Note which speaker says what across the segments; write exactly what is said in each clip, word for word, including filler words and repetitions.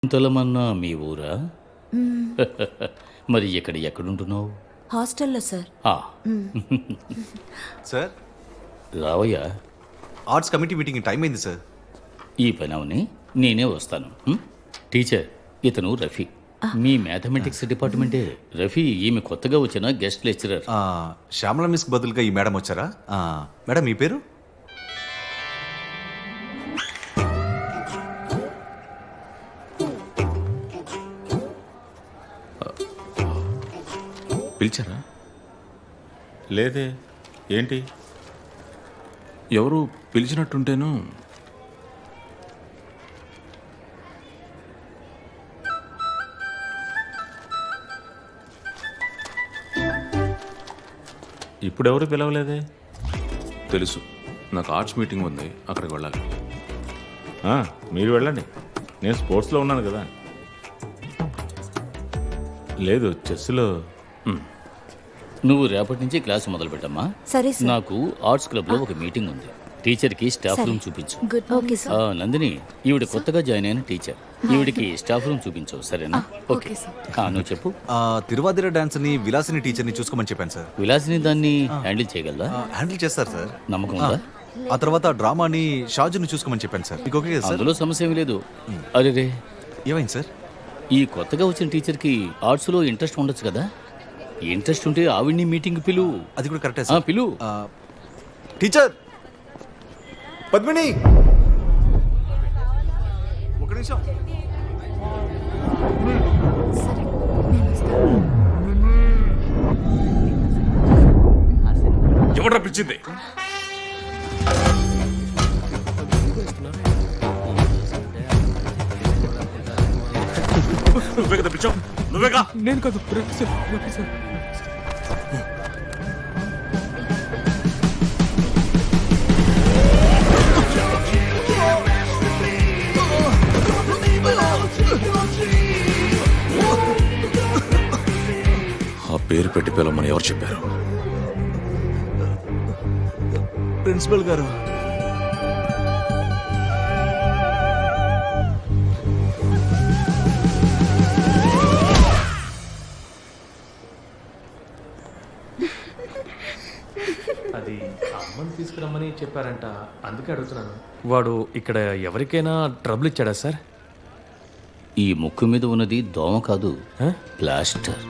Speaker 1: చింతలమన్నా మీ ఊరా? మరి ఇక్కడ ఎక్కడుంటున్నావు?
Speaker 2: హాస్టల్లో సార్.
Speaker 1: ఆ,
Speaker 3: సార్,
Speaker 1: రావయ్యా.
Speaker 3: ఆర్ట్స్ కమిటీ మీటింగ్ టైం అయింది సార్.
Speaker 1: ఈ పని అవని నేనే వస్తాను. హ్మ్? టీచర్, ఇతను రఫీ, మీ మ్యాథమెటిక్స్ డిపార్ట్మెంటే. రఫీ ఈమె కొత్తగా వచ్చిన గెస్ట్ లెక్చరర్.
Speaker 3: ఆ, శ్యామల మిస్ బదులుగా ఈ మేడం వచ్చారా? ఆ, మేడం మీ పేరు?
Speaker 4: పిలిచారా? లేదే. ఏంటి? ఎవరు పిలిచినట్టుంటేను. ఇప్పుడెవరు పిలవలేదే. తెలుసు, నాకు ఆర్ట్స్ మీటింగ్ ఉంది, అక్కడికి వెళ్ళాలి. ఆ, మీరు వెళ్ళండి, నేను స్పోర్ట్స్లో ఉన్నాను కదా. లేదు, చెస్లో.
Speaker 1: నువ్వు రేపటి నుంచి క్లాస్ మొదలు పెట్టమ్మా.
Speaker 2: సరే సార్.
Speaker 1: నాకు ఆర్ట్స్ క్లబ్ లో ఒక మీటింగ్ ఉంది. టీచర్ కి స్టాఫ్
Speaker 2: సరే.
Speaker 1: రూమ్ చూపించు.
Speaker 2: గుడ్. Okay sir.
Speaker 1: ఆ, నందిని, ఈవిడ కొత్తగా జాయిన్ అయిన టీచర్. ఈవిడికి స్టాఫ్ రూమ్ చూపించు, సరేనా? ఓకే ఆ, నువ్వు చెప్పు.
Speaker 3: ఆ, తిరువాదిర డాన్స్ ని విలాసిని టీచర్ ని చూసుకోమని చెప్పాను సార్.
Speaker 1: విలాసిని దాన్ని హ్యాండిల్ చేయగలదా?
Speaker 3: ఆ, హ్యాండిల్ చేస్తారు సార్.
Speaker 1: నమ్మకం
Speaker 3: ఆ,
Speaker 1: ఉందా?
Speaker 3: ఆ తర్వాత డ్రామాని షాజుని చూసుకోమని చెప్పాను సార్. మీకు ఓకే కదా సార్?
Speaker 1: అందులో సమస్య ఏమీ లేదు. అరే రే,
Speaker 3: ఏమైంది సార్?
Speaker 1: ఈ కొత్తగా వచ్చిన టీచర్కి ఆర్ట్స్లో ఇంట్రెస్ట్ ఉండొచ్చు కదా. ఇంట్రెస్ట్ ఉంటే ఆవిడ్ని మీటింగ్ పిలు.
Speaker 3: అది కూడా కరెక్టే
Speaker 1: ఆ,
Speaker 3: సార్.
Speaker 1: పిలు.
Speaker 3: ఆ, టీచర్ పద్మిని, ఒక నిమిషం.
Speaker 2: సరే, నేను వస్తాను.
Speaker 4: ఎవరు పిలిచింది? నువ్వే కదా పిలిచావు? నువ్వేగా?
Speaker 5: నేను కాదు, రఫీ సార్, రఫీ సార్.
Speaker 4: ఆ పేరు పెట్టి పిలవమని ఎవరు చెప్పారు?
Speaker 3: ప్రిన్సిపల్ గారు.
Speaker 5: అది అమ్మని తీసుకురమ్మని చెప్పారంట, అందుకే అడుగుతున్నాను. వాడు ఇక్కడ ఎవరికైనా ట్రబుల్ ఇచ్చాడా సార్?
Speaker 1: ఈ ముక్కు మీద ఉన్నది దోమ కాదు,
Speaker 5: ఆ?
Speaker 1: ప్లాస్టర్.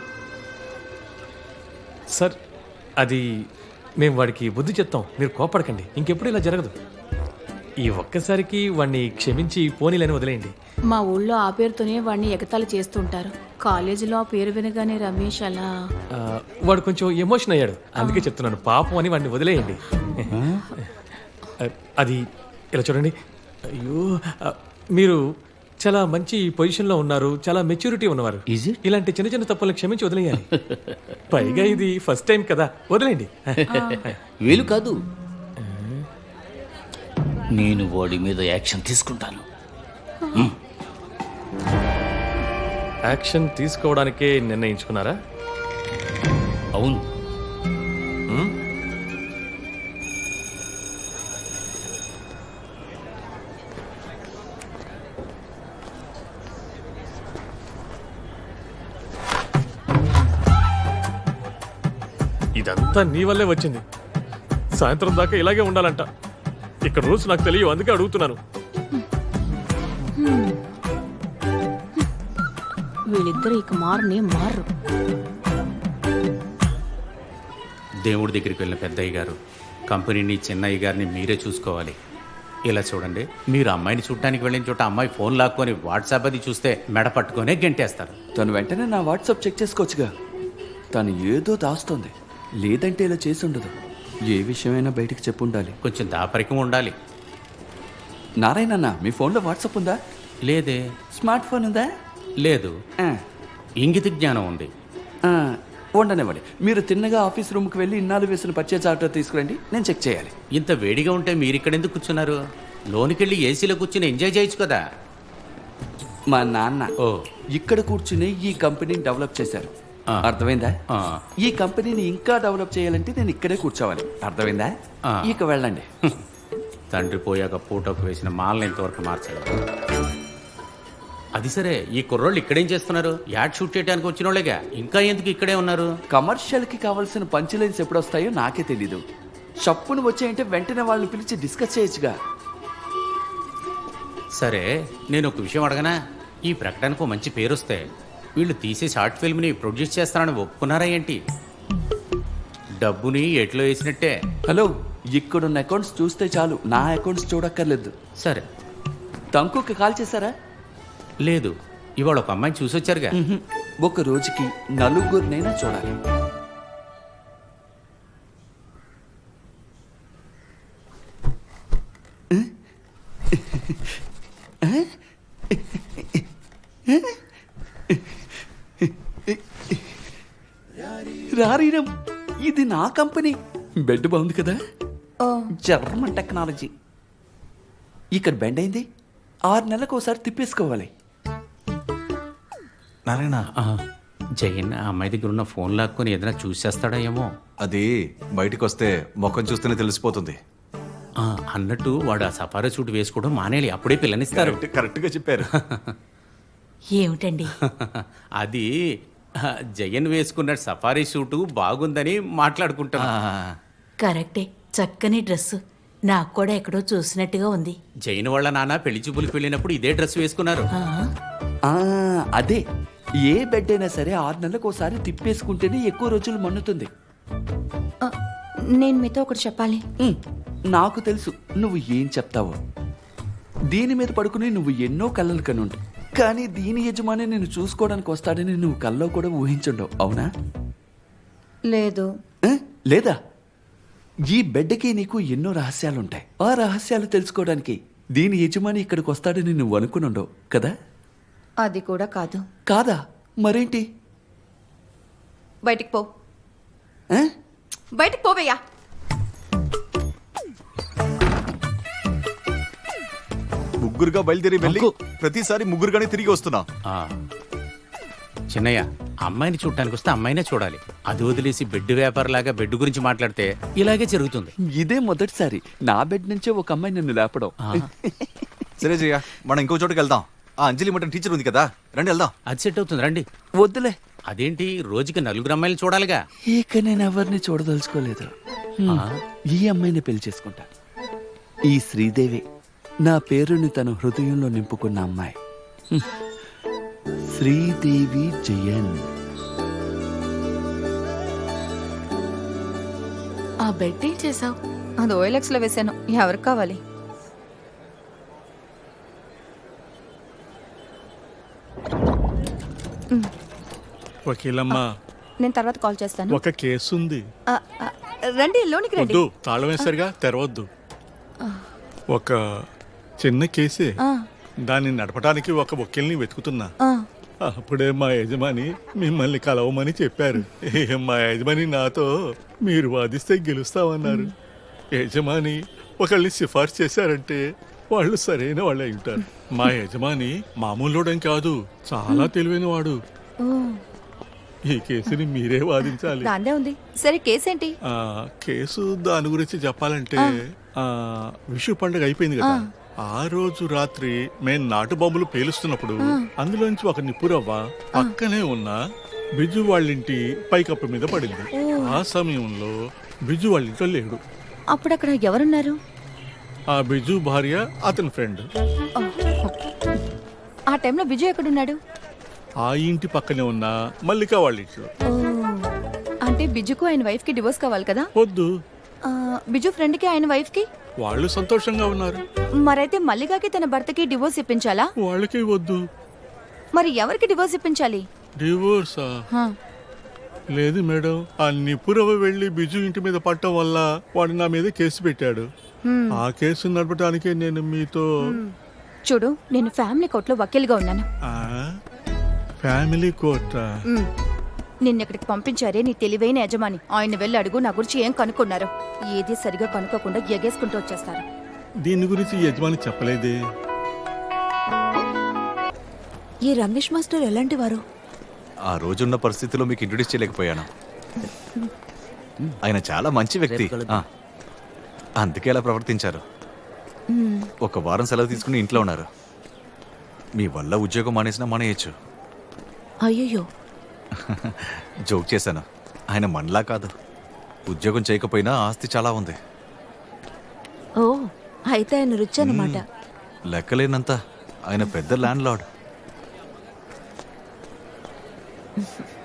Speaker 5: సార్, అది మేము వాడికి బుద్ధి చెప్తాం, మీరు కోపడకండి, ఇంకెప్పుడు ఇలా జరగదు. ఈ ఒక్కసారికి వాడిని క్షమించి పోనీలని వదిలేయండి.
Speaker 6: మా ఊళ్ళో ఆ పేరుతోనే వాడిని ఎగతాళి చేస్తుంటారు. కాలేజీలో ఆ పేరు వినగానే రమేష్ అలా.
Speaker 5: ఆ, వాడు కొంచెం ఎమోషన్ అయ్యాడు, అందుకే చెప్తున్నాను, పాపం అని వాడిని వదిలేయండి. ఆ, అది ఇలా చూడండి. అయ్యో, ఆ, మీరు చాలా మంచి పొజిషన్లో ఉన్నారు, చాలా మెచ్యూరిటీ ఉన్నవారు.
Speaker 1: Is it?
Speaker 5: ఇలాంటి చిన్న చిన్న తప్పులను క్షమించి వదిలేయాలి. పైగా ఇది ఫస్ట్ టైం కదా, వదిలేయండి.
Speaker 1: వీలు కాదు. నేను వాడి మీద యాక్షన్ తీసుకుంటాను.
Speaker 5: యాక్షన్ తీసుకోవడానికే నిర్ణయించుకున్నారా?
Speaker 1: అవును.
Speaker 5: ఇదంతా నీ వల్లే వచ్చింది. సాయంత్రం దాకా ఇలాగే ఉండాలంట. ఇక్కడ రూల్స్ నాకు తెలియవు, అందుకే అడుగుతున్నాను.
Speaker 6: వీళ్ళిద్దరు ఇక మారనే మారు.
Speaker 7: దేవుడి దగ్గరికి వెళ్ళిన పెద్దయ్య గారు, కంపెనీని చిన్నయ్య గారిని మీరే చూసుకోవాలి. ఇలా చూడండి, మీరు అమ్మాయిని చూడటానికి వెళ్ళిన చోట అమ్మాయి ఫోన్ లాక్కొని వాట్సాప్ అది చూస్తే మెడ పట్టుకొనే గెంటేస్తారు.
Speaker 8: తను వెంటనే నా వాట్సాప్ చెక్ చేసుకోవచ్చుగా. తను ఏదో దాస్తోంది, లేదంటే ఇలా చేసి ఉండదు. ఏ విషయమైనా బయటికి చెప్పుండాలి.
Speaker 7: కొంచెం దాపరికం ఉండాలి.
Speaker 8: నారాయణ అన్న, మీ ఫోన్లో వాట్సాప్ ఉందా?
Speaker 7: లేదే.
Speaker 8: స్మార్ట్ ఫోన్ ఉందా?
Speaker 7: లేదు.
Speaker 8: ఆ,
Speaker 7: ఇంగిత జ్ఞానం ఉంది.
Speaker 8: ఆ, ఉండనివ్వండి. మీరు తిన్నగా ఆఫీస్ రూమ్కి వెళ్ళి ఇన్నాళ్ళు వేసిన పర్చేజ్ ఆర్డర్ తీసుకురండి, నేను చెక్ చేయాలి.
Speaker 7: ఇంత వేడిగా ఉంటే మీరు ఇక్కడ ఎందుకు కూర్చున్నారు? లోనికెళ్ళి ఏసీలో కూర్చుని ఎంజాయ్ చేయొచ్చు కదా.
Speaker 8: మా నాన్న
Speaker 7: ఓ,
Speaker 8: ఇక్కడ కూర్చుని ఈ కంపెనీని డెవలప్ చేశారు.
Speaker 7: ఆ.
Speaker 8: అర్థమైందా?
Speaker 7: ఆ.
Speaker 8: ఈ కంపెనీని ఇంకా డెవలప్ చేయాలంటే నేను ఇక్కడే కూర్చోవాలి. అర్థమైందా?
Speaker 7: ఆ.
Speaker 8: ఇక వెళ్ళండి.
Speaker 7: తండ్రి పోయాక పూటకు వేసిన మాలను ఇంతవరకు మార్చలేదు. అది సరే, ఈ కుర్రోళ్ళు ఇక్కడేం చేస్తున్నారు? యాడ్ షూట్ చేయడానికి వచ్చిన వాళ్ళేగా, ఇంకా ఎందుకు ఇక్కడే ఉన్నారు?
Speaker 8: కమర్షియల్కి కావాల్సిన పంచ్ లైన్స్ ఎప్పుడు వస్తాయో నాకే తెలీదు. షప్పును వచ్చాయంటే వెంటనే వాళ్ళని పిలిచి డిస్కస్ చేయొచ్చుగా.
Speaker 7: సరే, నేను ఒక విషయం అడగనా? ఈ ప్రకటనకు మంచి పేరు వస్తే వీళ్ళు తీసే షార్ట్ ఫిల్మ్ని ప్రొడ్యూస్ చేస్తారని ఒప్పుకున్నారా ఏంటి? డబ్బుని ఎట్లో వేసినట్టే.
Speaker 8: హలో, ఇక్కడున్న అకౌంట్స్ చూస్తే చాలు, నా అకౌంట్స్ చూడక్కర్లేదు.
Speaker 7: సరే.
Speaker 8: తంకుకి కాల్ చేశారా?
Speaker 7: లేదు, ఇవాళ ఒక అమ్మాయిని చూసొచ్చారుగా.
Speaker 8: మ్హూ. ఒక రోజుకి నలుగురినైనా చూడాలి. రారీరం, ఇది నా కంపెనీ. బెడ్ బాగుంది కదా, జర్మన్ టెక్నాలజీ. ఇక్కడ బెండ్ అయింది, ఆరు నెలలకు ఒకసారి తిప్పేసుకోవాలి.
Speaker 3: నారాయణ,
Speaker 7: ఆ, జయన్ ఆ అమ్మాయి దగ్గర ఉన్న ఫోన్ లాక్కొని ఏదైనా చూసేస్తాడా ఏమో.
Speaker 3: అది బయటికి వస్తే ముఖం చూస్తేనే తెలిసిపోతుంది.
Speaker 7: ఆ, అన్నట్టు వాడు ఆ సఫారీ సూట్ వేసుకోవడం మానేలి, అప్పుడే పిల్లనిస్తారు.
Speaker 3: కరెక్ట్- కరెక్ట్గా చెప్పారు.
Speaker 2: ఏమిటండి?
Speaker 7: అది ఆ, జయన్ వేసుకున్న సఫారీ సూటు బాగుందని మాట్లాడుకుంటాను.
Speaker 3: ఆ,
Speaker 2: కరెక్టే, చక్కని డ్రెస్సు. నాకు కూడా ఎక్కడో చూసినట్టుగా ఉంది.
Speaker 7: జైన్ వాళ్ళ నాన్న పెళ్లి చూపులకు వెళ్ళినప్పుడు ఇదే డ్రెస్ వేసుకున్నారు.
Speaker 2: ఆ,
Speaker 8: ఆ, అదే, ఏ బెడ్ అయినా సరే ఆరు నెలలకు ఒకసారి తిప్పేసుకుంటేనే ఎక్కువ రోజులు మన్నుతుంది.
Speaker 2: ఆ, నేను మీతో ఒకటి చెప్పాలి.
Speaker 8: ఉమ్, నాకు తెలుసు నువ్వు ఏం చెప్తావో. దీని మీద పడుకుని నువ్వు ఎన్నో కళ్ళలు కనుండు, కానీ దీని యజమాని నేను చూసుకోవడానికి వస్తాడని నువ్వు కల్లో కూడా ఊహించుండవు, అవునా?
Speaker 2: లేదు.
Speaker 8: ఆ, లేదా? ఈ బెడ్కి నీకు ఎన్నో రహస్యాలుంటాయి. ఆ రహస్యాలు తెలుసుకోవడానికి దీని యజమాని ఇక్కడికి వస్తాడని నువ్వు అనుకునుండవు కదా?
Speaker 2: అది కూడా కాదు.
Speaker 8: కాదా? మరేంటి?
Speaker 2: బయటికి పో.
Speaker 8: ఆ?
Speaker 2: బయటికి పోవయ్యా.
Speaker 3: ముగ్గురుగా బయలుదేరి వెళ్ళి ప్రతిసారి ముగ్గురుగానే తిరిగి వస్తున్నా.
Speaker 7: ఆ, చిన్నయ్య, అమ్మాయిని చూడటానికి వస్తే అమ్మాయినే చూడాలి. అది వదిలేసి బెడ్ వ్యాపారలాగా బెడ్ గురించి మాట్లాడితే ఇలాగే జరుగుతుంది.
Speaker 8: ఇదే మొదటిసారి నా బెడ్ నుంచే ఒక అమ్మాయి నన్ను లేపడం.
Speaker 7: ఆ,
Speaker 3: సరే జయ, మనం ఇంకో చోటుకి వెళ్దాం. ఆ అంజలి మటన్ టీచర్ ఉంది కదా, రండి వెళ్దాం.
Speaker 7: అది సెట్ అవుతుంది, రండి.
Speaker 8: వద్దులే,
Speaker 7: అదేంటి, రోజుకి నలుగురు అమ్మాయిలు చూడాలిగా.
Speaker 8: ఇక నేను ఎవరిని చూడదలుచుకోలేదు.
Speaker 7: ఆ,
Speaker 8: ఈ అమ్మాయిని పెళ్లి చేసుకుంటా. ఈ శ్రీదేవి నా పేరుని తన హృదయంలో నింపుకున్న అమ్మాయి. హ్మ్. శ్రీదేవి జయన్.
Speaker 2: ఆ బెడ్ ఏం చేసావు? అది ఓఎల్ఎక్స్ లో వేసాను. ఎవరికి కావాలి?
Speaker 9: వకీలమ్మా,
Speaker 2: నేను తర్వాత కాల్ చేస్తాను.
Speaker 9: ఒక కేసు ఉంది.
Speaker 2: ఆ, ఆ, రండి, లోనికి రండి.
Speaker 9: వద్దు, తాళం వేసరిగా తెరవద్దు. ఒక చిన్న కేసే,
Speaker 2: ఆ,
Speaker 9: దాన్ని నడపడానికి ఒక వకీల్ని వెతుకుతున్నా.
Speaker 2: ఆ,
Speaker 9: అప్పుడే మా యజమాని మిమ్మల్ని కలవమని చెప్పారు. ఏ, మా యజమాని నాతో మీరు వాదిస్తే గెలుస్తామన్నారు. యజమాని ఒకళ్ళని సిఫార్సు చేశారంటే వాళ్ళు సరైన వాళ్ళు అయి ఉంటారు. మా యజమాని మామూలుడని కాదు, చాలా తెలివైన వాడు.
Speaker 2: ఓ,
Speaker 9: ఈ కేసుని మీరే వాదించాలి.
Speaker 2: దాందే ఉంది. సరే, కేసు ఏంటి?
Speaker 9: ఆ కేసు దాని గురించి చెప్పాలంటే, ఆ విషు పండుగ అయిపోయింది కదా, ఆ రోజు రాత్రి మేం నాటు బాంబులు పేలుస్తున్నప్పుడు అందులోంచి ఒక నిప్పురవ్వ పక్కనే ఉన్న బిజు వాళ్ళింటి పైకప్పు మీద పడింది. ఆ సమయంలో బిజు వాళ్ళింట్లో లేడు.
Speaker 2: అప్పుడు అక్కడ ఎవరున్నారు?
Speaker 9: ఆ బిజు భార్య, అతని ఫ్రెండ్.
Speaker 2: ఆ టైంలో బిజు ఎక్కడున్నాడు?
Speaker 9: ఆ ఇంటి పక్కనే ఉన్న మల్లిక వాళ్ళ ఇంట్లో.
Speaker 2: ఓ, అంటే బిజుకు ఆయన వైఫ్ కి డివోర్స్ కావాలి కదా?
Speaker 9: వద్దు,
Speaker 2: ఆ, బిజు ఫ్రెండ్ కి ఆయన వైఫ్ కి.
Speaker 9: వాళ్ళు సంతోషంగా ఉన్నారు.
Speaker 2: మరైతే మల్లికాకి తన భర్తకి డివోర్స్ ఇప్పించాలా?
Speaker 9: వాళ్ళకి వద్దు.
Speaker 2: మరి ఎవరికి డివోర్స్ ఇప్పించాలి?
Speaker 9: డివోర్సా?
Speaker 2: హా,
Speaker 9: లేదు మేడం, ఆ నిపురవ వెళ్లి బిజు ఇంటి మీద పట్టడం వల్ల వాడు నా మీద కేసు పెట్టాడు.
Speaker 2: హ్మ్.
Speaker 9: ఆ కేసు నడపడానికే నేను మీతో.
Speaker 2: చూడు, నేను ఫ్యామిలీ కోర్టులో వకీల్గా ఉన్నాను.
Speaker 9: ఆ? ఫ్యామిలీ కోర్టా?
Speaker 2: మ్, నిన్న ఇక్కడికి పంపించారే నీ తెలివైన యజమాని. ఆయన వెళ్ళి అడుగు నా గురించి ఏం కనుక్కున్నారు. ఏది సరిగా కనుక్కోకుండా ఎగేసుకుంటూ వచ్చేస్తారు.
Speaker 9: దీని గురించి యజమాని చెప్పలేదే.
Speaker 2: ఈ రమేష్ మాస్టర్ ఎలాంటి వారు?
Speaker 3: ఆ రోజున్న పరిస్థితిలో మీకు ఇంట్రొడ్యూస్ చేయలేకపోయాను. ఆయన చాలా మంచి వ్యక్తి. ఆ, అందుకే అలా ప్రవర్తించారు. ఒక వారం సెలవు తీసుకుని ఇంట్లో ఉన్నారు. మీ వల్ల ఉద్యోగం మానేసినా మానేయచ్చు.
Speaker 2: అయ్యయ్యో.
Speaker 3: జోక్ చేశాను. ఆయన మనలా కాదు. ఉద్యోగం చేయకపోయినా ఆస్తి చాలా ఉంది.
Speaker 2: ఓ అయితే ఆయన రుచి అన్నమాట.
Speaker 3: లెక్కలేనంత ఆయన పెద్ద ల్యాండ్ లార్డ్.